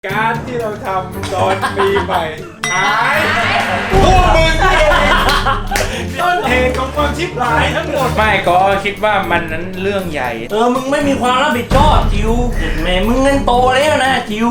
การที่เราทำตอนปีใหม่หายพวกมึงเองต้นเหตุของความชิบหายทั้งหมดไม่ก็คิดว่ามันนั้นเรื่องใหญ่มึงไม่มีความรับผิดชอบจิวแม่มึงเงินโตแล้วนะจิว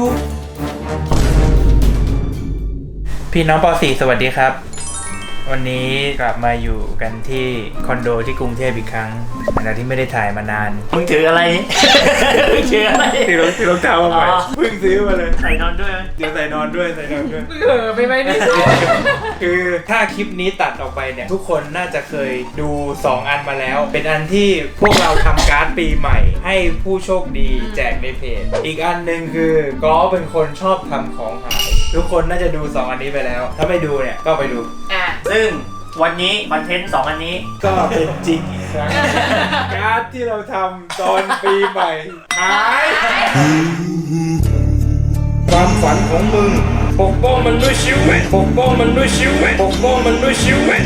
พี่น้องป .4 สวัสดีครับวันนี้กลับมาอยู่กันที่คอนโดที่กรุงเทพอีกครั้งหลังจากที่ไม่ได้ถ่ายมานานมึงถืออะไรมึงถืออะไรถือรองเท้ามาใหม่เพิ่งซื้อมาเลยใส่นอนด้วยเดี๋ยวใส่นอนด้วยไปไหมนี่คือถ้าคลิปนี้ตัดออกไปเนี่ยทุกคนน่าจะเคยดู2อันมาแล้วเป็นอันที่พวกเราทำการ์ดปีใหม่ให้ผู้โชคดีแจกในเพจอีกอันหนึ่งคือก็เป็นคนชอบทำของหายทุกคนน่าจะดู2อันนี้ไปแล้วถ้าไม่ดูเนี่ยก็ไปดูซึ่งวันนี้คอนเทนต์2อันนี้ก็เป็นจริงอีกครั้งการ์ดที่เราทำตอนปีใหม่หายความฝันของมึงปกป้องมันด้วยชีวิตปกป้องมันด้วยชีวิตปกป้องมันด้วยชีวิต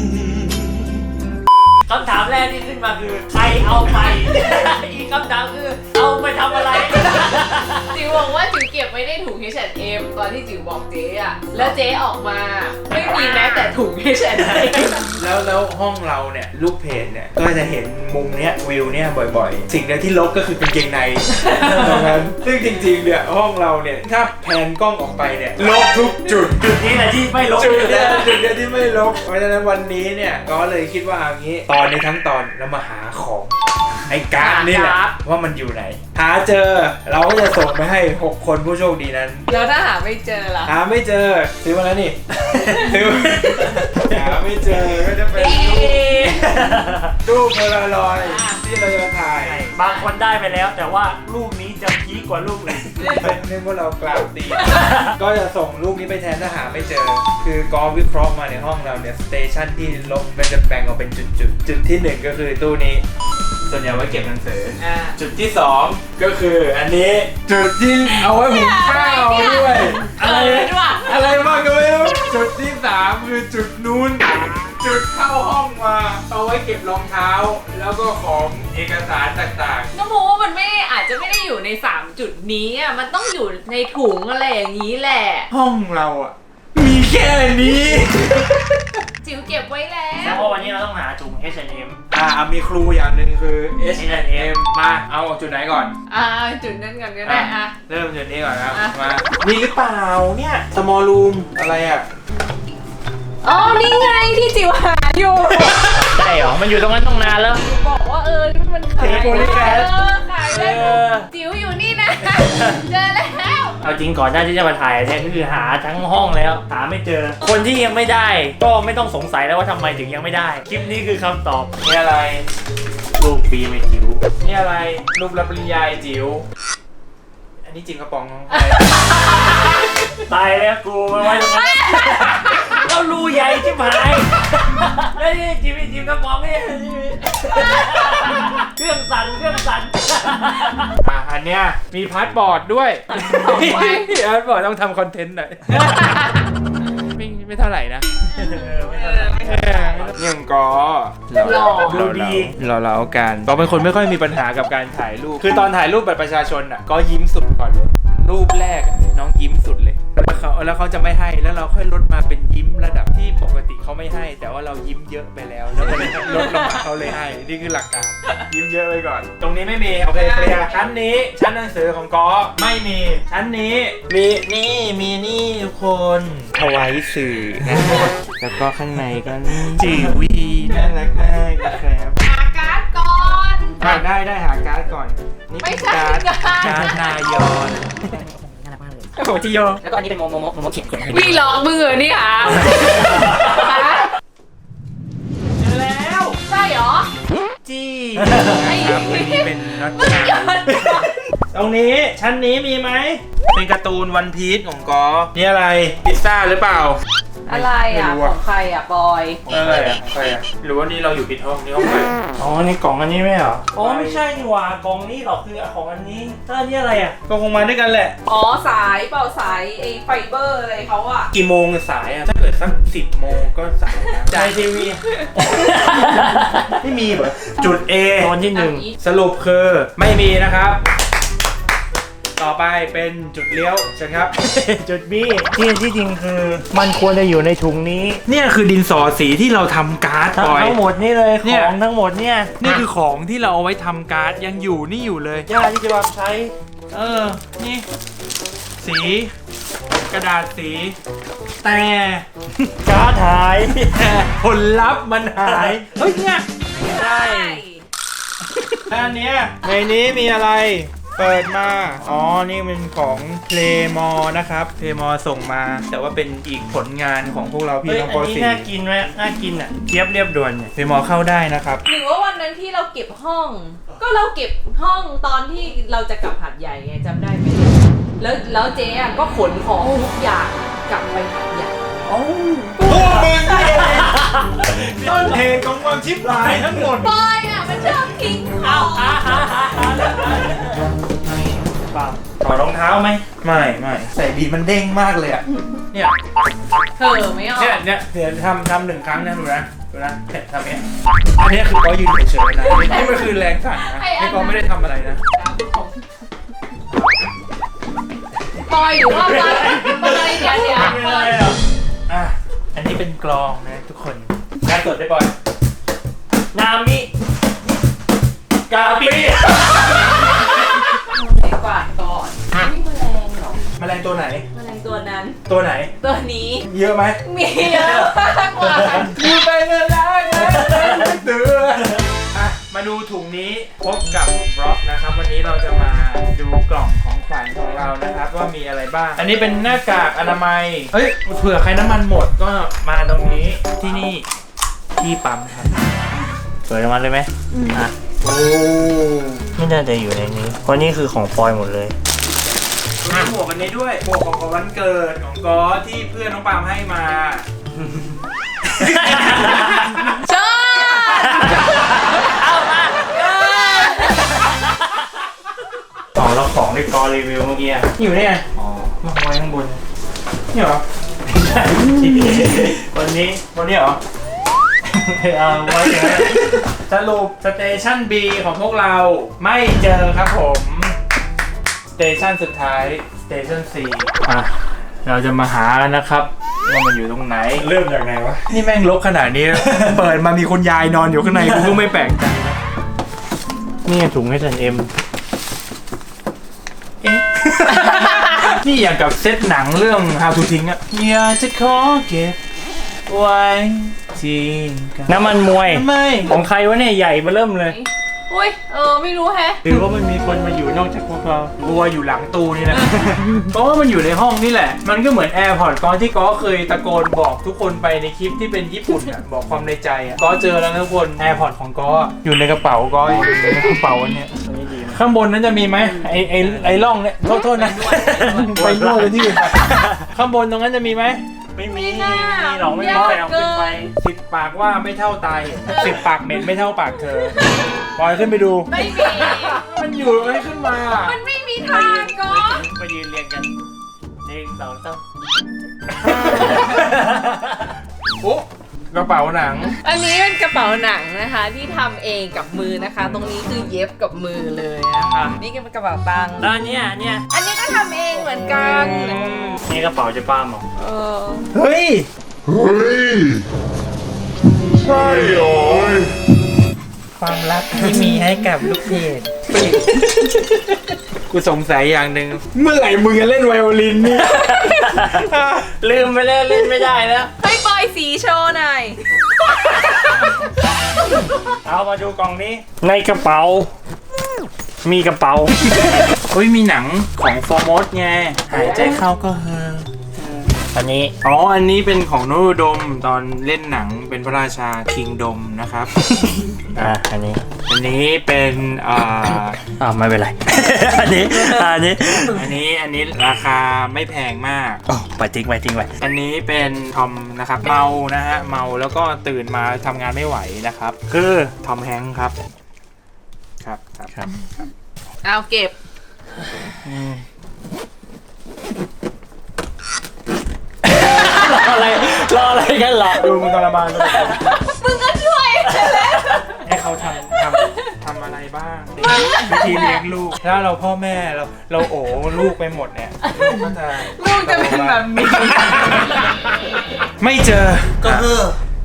คำถามแรกที่ขึ้นมาคือใครเอาไปอีกคำถามคือเอาไปทำอะไรจิ๋วบอกว่าจิ๋วเก็บไว้ในถุง H&M ตอนที่จิ๋วบอกเจ๊อะแล้วเจ๊ออกมาไม่มีแม้แต่ถุง H&M แล้วห้องเราเนี่ยลูกเพจเนี่ยก็จะเห็นมุมเนี้ยวิวเนี่ยบ่อยๆสิ่งเดียวที่ลบก็คือกางเกงในตรงนั้นซึ่งจริงๆเนี่ยห้องเราเนี่ยถ้าแพนกล้องออกไปเนี่ยลบทุกจุดนี้แหละที่ไม่ลบจุดเดียวที่ไม่ลบเพราะฉะนั้นวันนี้เนี่ยก็เลยคิดว่าอย่างนี้ตอนนี้ทั้งตอนเรามาหาของไอ้การ์ดนี่แหละว่ามันอยู่ไหนหาเจอเราก็จะส่งไปให้6คนผู้โชคดีนั้นแล้วถ้าหาไม่เจอล่ะหาไม่เจอซื้อมาแล้วนี่ซื้อหาไม่เจอก็จะเป็นรูปโพลารอยด์ที่เราจะถ่ายบางคนได้ไปแล้วแต่ว่ารูปนี้จะพีคกว่ารูปอื่นเป็นเรื่องว่าเรากล่าวตีก็จะส่งรูปนี้ไปแทนถ้าหาไม่เจอคือกอล์ฟวิเคราะห์มาในห้องเราเนี่ยสเตชันที่ลบมันจะแบ่งออกเป็นจุดที่1ก็คือตู้นี้ส่วนใหญ่ไว้เก็บหนังสือจุดที่2ก็คืออันนี้จุดที่เอาไว้หุงข้าวด้วยอะไรบ้างก็ไม่รู้จุดที่3คือจุดนู้นจุดเข้าห้องมาเอาไว้เก็บรองเท้าแล้วก็ของเอกสารต่างๆก็เพราะว่ามันไม่อาจจะไม่ได้อยู่ใน3จุดนี้อ่ะมันต้องอยู่ในถุงอะไรอย่างนี้แหละห้องเราอ่ะมีแค่นี้จิ๋วเก็บไว้แล้วเพราะวันนี้เราต้องหาถุง H&M มีครูอย่างหนึ่งคือ H&M มาเอาจุดไหนก่อนจุดนั้นก่อนก็ได้เริ่มจุดนี้ก่อนครับมานี่หรือเปล่าเนี่ย small room อะไรอ่ะอ๋อนี่ไงที่จิ๋วหาอยู่ใช่หรอมันอยู่ตรงนั้นตั้งนานแล้วบอกว่ามันขายขายได้จิ๋วอยู่นี่นะเจอแล้วเอาจริงก่อนหน้าที่จะมาถ่ายเนี่ยก็คือหาทั้งห้องแล้วหาไม่เจอคนที่ยังไม่ได้ก็ไม่ต้องสงสัยแล้วว่าทำไมถึงยังไม่ได้คลิปนี้คือคำตอบนี่อะไรรูปปีไม่จิ๋วนี่อะไรรูปรับปริญญาจิ๋วอันนี้จริงกระป๋องตายแล้วกูมาไว้ตรงนั้นเรารูใหญ่ชิบหายแล้วนี่จิ๋วกระป๋องนี่เครื่องสั่นอันเนี้ยมีพาสปอร์ตด้วยพาสปอร์ตต้องทำคอนเทนต์หน่อยไม่เท่าไหร่นะยังก็ดูดีเราเอาการก็เป็นคนไม่ค่อยมีปัญหากับการถ่ายรูปคือตอนถ่ายรูปบัตรประชาชนอ่ะก็ยิ้มสุดก่อนเลยรูปแรกน้องยิ้มสุดเลยแล้วเขาจะไม่ให้แล้วเราค่อยลดมาเป็นยิ้มระดับที่ปกติเขาไม่ให้แต่ว่าเรายิ้มเยอะไปแล้วลดลงมาเขาเลยให้นี่คือหลักการยิ้มเยอะไปก่อนตรงนี้ไม่มีโอเคเคลียร์ชั้นนี้ชั้นหนังสือของกอไม่มีชั้นนี้มีนี่ทุกคนถวายสื่อนะแล้วก็ข้างในก็จีวีน่ารักมากนะครับหาการ์ดก่อนได้หาการ์ดก่อนนี่เป็นการ์ดนายอนโอ้โหจิโยแล้วก็อันนี้เป็นโมเขียนพี่หลอกมือนี่ค่ะเจอแล้วใช่หรอจี้ครับอันนี้เป็นน็อตชาตรงนี้ชั้นนี้มีไหมเป็นการ์ตูนวันพีซของกอนี่อะไรพิซซ่าหรือเปล่าอะไรของใครบอยอะไรของใครหรือว่านี่เราอยู่ผิดห้องนี่ห้องใครอ๋อนี่กล่องอันนี้ไม่เหรออ๋อไม่ใช่นี่หว่ากล่องนี้หรอกคือของอันนี้ถ้านี่อะไรก็คงมาด้วยกันแหละอ๋อสายเปล่าสายไอ้ไฟเบอร์อะไรเขากี่โมงสายถ้าเกิดสัก10 โมงก็สายจ่ายทีวีไม่มีเหรอจุด A ตอนที่1 สรุปคือไม่มีนะครับต่อไปเป็นจุดเลี้ยวเชิญครับจุด B ที่จริงคือมันควรจะอยู่ในถุงนี้เนี่ยคือดินสอสีที่เราทำการ์ดปล่อยทั้งหมดนี่เลยเนี่ขยองทั้งหมดเนี่ยนี่คือของที่เราเอาไว้ทำการ์ดยังอยู่นี่อยู่เลยย่าที่จะมาใช้นี่ สี กระดาษสี แต่การ์ดหายผลลัพธ์มันหาย เฮ้ยเนี่ยใช่อันเนี้ยในนี้มีอะไร เปิดมา อ๋อ นี่เป็นของ Playmore นะครับ Playmore ส่งมา แต่ว่าเป็นอีกผลงานของพวกเราพี่เฮ้ยน้องอัปนนี้สี่น่ากินไหมน่ากินอ่ะเจี๊ยบเรียบด่วนเนี่ย Playmore เข้าได้นะครับหรือว่าวันนั้นที่เราเก็บห้อง ก็เราเก็บห้องตอนที่เราจะกลับหัดใหญ่ไงจำได้ไหมแล้วเจ๊อะก็ขนของทุกอย่างกลับไปหัดใหญ่พวกมึงนี่เองต้นเหตุของความชิบหายทั้งหมดบอยอ่ะมันชอบทิ้งของเปล่าถอดรองเท้าไหมไม่ใส่บีมันเด้งมากเลยอ่ะ เนี่ยเธอไม่ออกเนี่ยเดี๋ยวทำหนึ่งครั้งนะดูนะเนี่ยทำเนี้ยอันเนี้ยคือก็ยืนเฉยๆนะนี่มันคือแรงสั่นนะนี่ก็ไม่ได้ทำอะไรนะบอยหรือว่าบอยเดี๋ยวไม่บได้อยหรออ่ะอันนี้เป็นกลองนะทุกคนงานสดได้บ่อยนามิกาปิดีกว่าก่อนนี่แมลงเหรอแมลงตัวไหนแมลงตัวนั้นตัวไหนตัวนี้เยอะไหมมีเยอะมากกว่าอยู่ไปเลยนะเตืออ่ะมาดูถุงนี้พบกับบล็อกนะครับ วันนี้เราจะมาดูกล่องของขวัญของเรานะครับว่ามีอะไรบ้าง อันนี้เป็นหน้ากากอนามัยเอ้ยเผื่อใครน้ำมันหมดก็มาตรงนี้ที่นี่ที่ปั๊มครับเปิดออกมาเลยไหมอ่ะโอ้ไม่น่าจะอยู่ในนี้ เพราะนี่คือของปอยหมดเลยมีหมวกอันนี้ด้วยหมวกของวันเกิดของก๊อที่เพื่อนน้องปาล์มให้มาชอบของเราของที่กอรีวิวเมื่อกี้อ่ะอยู่เนี่ยอ๋อมาไว้ข้างบนนี่เหรอวันนี้บนนี้เหรอเอาไว้อย่างนั้นสรุปสเตชัน B ของพวกเราไม่เจอครับผมสเตชันสุดท้ายสเตชัน C อ่ะเราจะมาหากันนะครับว่ามันอยู่ตรงไหนเริ่มจากไหนวะนี่แม่งลกขนาดนี้ เปิดมามีคุณยายนอนอยู่ข้างในกูก็ไม่แปลกใจนะนี่ถุงให้ฉันเอ็มเอ๊ะ นี่อย่างกับเซตหนังเรื่อง How to ทิ้งอะอยากจะขอเก็บไว้ที่กันน้ำมันมวยไม่ของใครวะเนี่ยใหญ่มาเริ่มเลยอุ้ยไม่รู้แฮะหรือว่ามันมีคนมาอยู่นอกจากพวกเราบัวอยู่หลังตู้นี่แหละ เพราะว่ามันอยู่ในห้องนี่แหละ มันก็เหมือน AirPods ก้อนที่ก้อเคยตะโกนบอกทุกคนไปในคลิปที่เป็นญี่ปุ่นอ่ะ บอกความในใจอ่ะก้อเจอแล้วนะทุกคน AirPods ของก้ออยู่ในกระเป๋าก้ออยู่ในกระเป๋าอันเนี้ยอันนี้ดีนะข้างบนนั้นจะมีไหมไอ้ร่องเนี่ยโทษนะไปนวดเลยที่อื่นไปข้างบนตรงนั้นจะมีไหมไม่มีไม่น่ามีหรอกไม่มียากใครเอาขึ้นไปเกิ 10 ปากว่าไม่เท่าตาย10 ปากเหม็นไม่เท่าปากเธอปล่อยขึ้นไปดูไม่มีมันอยู่ไม่ขึ้นมามันไม่มีทางก็มายืนเรียงกัน1 2 3 โอ้กระเป๋าหนังอันนี้เป็นกระเป๋าหนังนะคะ ที่ทำเองกับมือนะคะ ตรงนี้คือเย็บกับมือเลยนะคะนี่ก็เป็นกระเป๋าตังค์แล้วเนี่ยอันนี้ก็ทำเองเหมือนกันนี่กระเป๋าจะป้าหมอเฮ้ยใช่เหรอความรักที่มีให้กับลูกเพจกูสงสัยอย่างหนึ่งเมื่อไหร่มึงจะเล่นไวโอลินนี่ลืมไปแล้วเล่นไม่ได้แล้วให้ปอยสีโชว์หน่อยเอามาดูกล่องนี้ ในกระเป๋า มีกระเป๋าเฮ้ยมีหนังของฟอร์มอสไงหายใจเข้าก็เฮออันนี้อ๋ออันนี้เป็นของโนรุดมตอนเล่นหนังเป็นพระราชาคิงดมนะครับอันนี้อันนี้เป็นไม่เป็นไร อันนี้ราคาไม่แพงมากไปทิ้งไว้อันนี้เป็นทอมนะครับเมานะฮะเมาแล้วก็ตื่นมาทำงานไม่ไหวนะครับคือทอมแฮงค์ครับครับเอาเก็บรออะไรกันล่ะดูมึงทรมานเลยมึงก็ช่วยให้เขาทำอะไรบ้างวิธีเลี้ยงลูกถ้าเราพ่อแม่เราโอ้ลูกไปหมดเนี่ยลูกก็จะลูกจะเป็นแบบนี้ไม่เจอก็คือ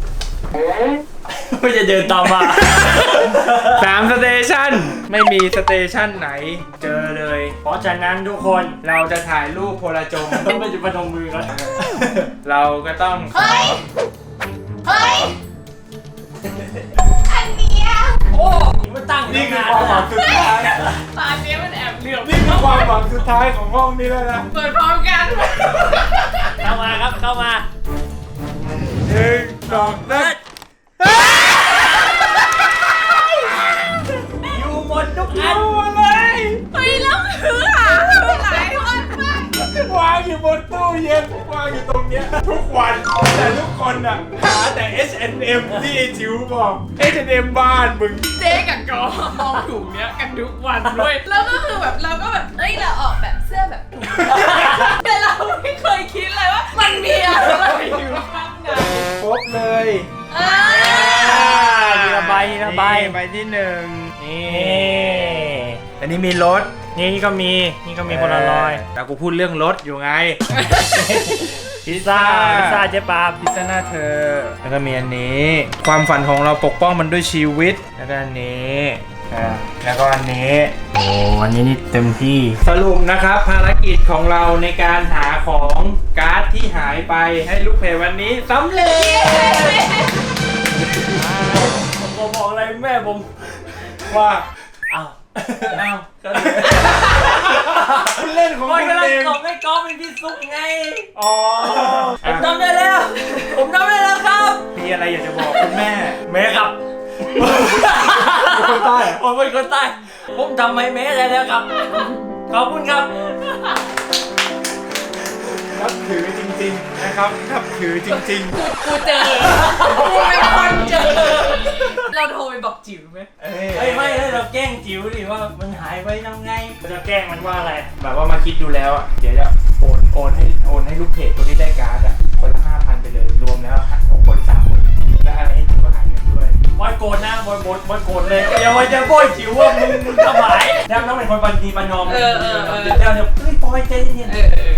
ไม่จะเดินตามมา 3 สเตชันไม่มีสเตชันไหนเจอเลยเพราะฉะนั้นทุกคนเราจะถ่ายรูปโพลาจงต้องไปจุดประนมมือกันเราก็ต้องเฮ้ย เฮ้ย อันเนี้ยโอ้ยมันตั้งอยู่นี่คืนาอน ความหวังสุดท้ายตอนนี้มันแอบเหลือบนี่คือความหวังสุดท้ายของห้องนี้แล้วนะเปิดพร้อมกันเข้ามาครับเข้ามา 1 2 3 อยู่หมดทุกอันอะไรเฮ้ยแล้วคือหาหลายวันมากวางอยู่บนตู้เย็นวางอยู่ตรงเนี้ยทุกวันแต่ทุกคนอ่ะหาแต่ H&M ที่ไอ้จิ๋วบอก H&M บ้านมึงเจ๊กับกอมองถุงเนี้ยกันทุกวันด้วยแล้วก็คือแบบเราก็แบบเอ้ยเราออกแบบเสื้อแบบถุงแต่เราไม่เคยคิดเลยว่ามันมีอะไรอยู่ข้างในครบเลยทีละใบทีละใบใบที่1นี่นี่อันนี้มีรถนี่ก็มีคนละร้อยแต่กูพูดเรื่องรถอยู่ไงพิซซ่าเจ๊ปาบพิซซ่าหน้าเธอ แล้วก็มีอันนี้ ความฝันของเราปกป้องมันด้วยชีวิต แล้วก็อันนี้แล้วก็อันนี้โอ้อันนี้นี่เต็มที่สรุปนะครับภารกิจของเราในการหาของการ์ดที่หายไปให้ลูกเพจวันนี้สำเร็จผมบอกอะไรแม่ผมว่าอ้าวอ้าวคุณเล่นของมันคุณกำลังเองส่งให้กอล์ฟเป็นพี่ซุปไงอ๋อผมทำได้แล้ว ผมทำได้แล้วครับมีอะไรอยากจะบอกคุณแม่แม่ครับเป็นคนใต้เหรอผมเป็นคนใต้ผมทำให้แม่ได้แล้วครับ ขอบคุณครับนับถือจริงๆนะครับนับถือจริงกูเจอกูเป็นคนเจอเราโทรไปบอกจิ๋วไหมๆเฮ้ยไม่เราแกล้งจิ๋วดิว่ามันหายไปทำไงจะแกล้งมันว่าอะไรแบบว่ามาคิดดูแล้วอ่ะเดี๋ยวจะโอนให้ลูกเพจคนที่ได้การ์ดอ่ะคนละ 5,000 ไปเลยรวมแล้ว6 คน3 คนและอะไรให้จิ๋วหายเงินด้วยบอยโกรธนะบอยโกรธเลยอย่ามาจะโบยจิ๋วว่ามึงทำหายแล้วน้องเป็นคนบันทีบันนอมเดี๋ยวเฮ้ยปอยใจเย็น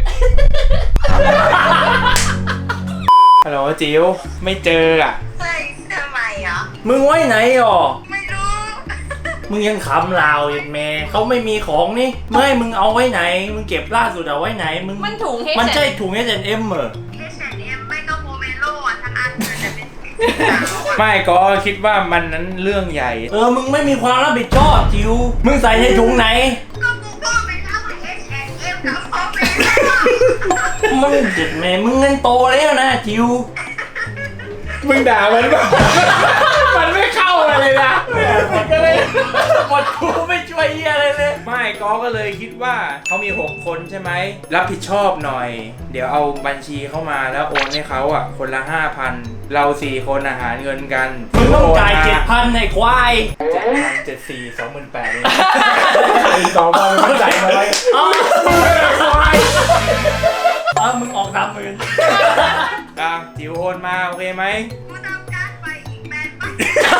ฮัลโหลจิ๋วไม่เจออ่ะเฮ้ยทำไมอ่ะมึงไว้ไหนอ่อไม่รู้มึงยังขำลาวอย่างแม่เขาไม่มีของนี่เมื่อให้มึงเอาไว้ไหน มึงเก็บล่าสุดเอาไว้ไหนมึงมันถุงให้มันใช่ถุง H&M เหรอ H&M ไม่ก็โมเมโลอ่ะทั้งอันเลยแต่เป็นสีขาวอ่ะไม่ก็คิดว่ามันนั้นเรื่องใหญ่มึงไม่มีความรับผิดชอบจิวมึงใส่ในถุงไหนก็กูก็ไปรับ H&M กับโมเมโลมึงเจ็ดแม่มึงเงินโตแล้วนะจิวมึงด่ามันป่ะ มันไม่เข้าอะไรเลยนะมันก็เลยหมดกูไม่ช่วยเหี้ยอะไรเลยไม่ก็เลยคิดว่าเขามี 6 คนใช่ไหมรับผิดชอบหน่อย เดี๋ยวเอาบัญชีเข้ามาแล้วโอนให้เขาอ่ะคนละ 5,000 เรา4 คนอาหารเงินกันมึงต้องจ่าย7,000ในควาย 7,000 28,000เลย2,000มันจ่ายมาไว้อ๋อควายมึงออก30,000 จิ๋วโอนมาโอเคไหมกูทำการไปอีกแบนบ้าง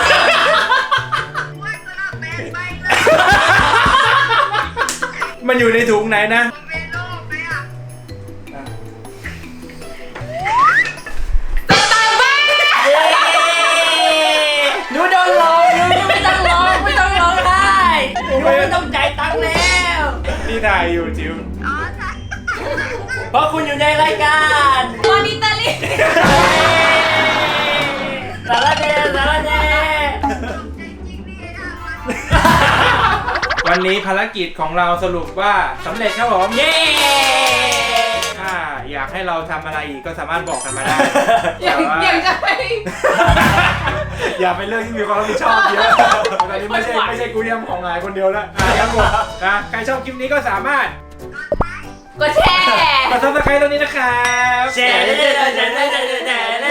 ว่ากูรับแบนไปเลยมันอยู่ในถุงไหนนะโมเมโลไหมอ่ะหนูโดนหลอกหนูไม่ต้องร้องไม่ต้องร้องไห้หนูไม่ต้องจ่ายตังค์แล้วนี่ถ่ายอยู่จิ๋วอ๋อใช่เพราะคุณอยู่ในรายการมอนิเตอร์ลิสารแหน่สารแหน่จริงๆนี่นะมันวันนี้ภารกิจของเราสรุปว่าสำเร็จครับผมเย้ถ้าอยากให้เราทำอะไรอีกก็สามารถบอกกันมาได้อย่างจะไปอย่าไปเรื่องที่มีความรับผิดชอบเยอะตอนนี้ไม่ใช่กูเรียมของงานคนเดียวแล้วครับผมใครชอบคลิปนี้ก็สามารถกดแชร์กดซับสไครต์ตรงนี้นะครับแชร์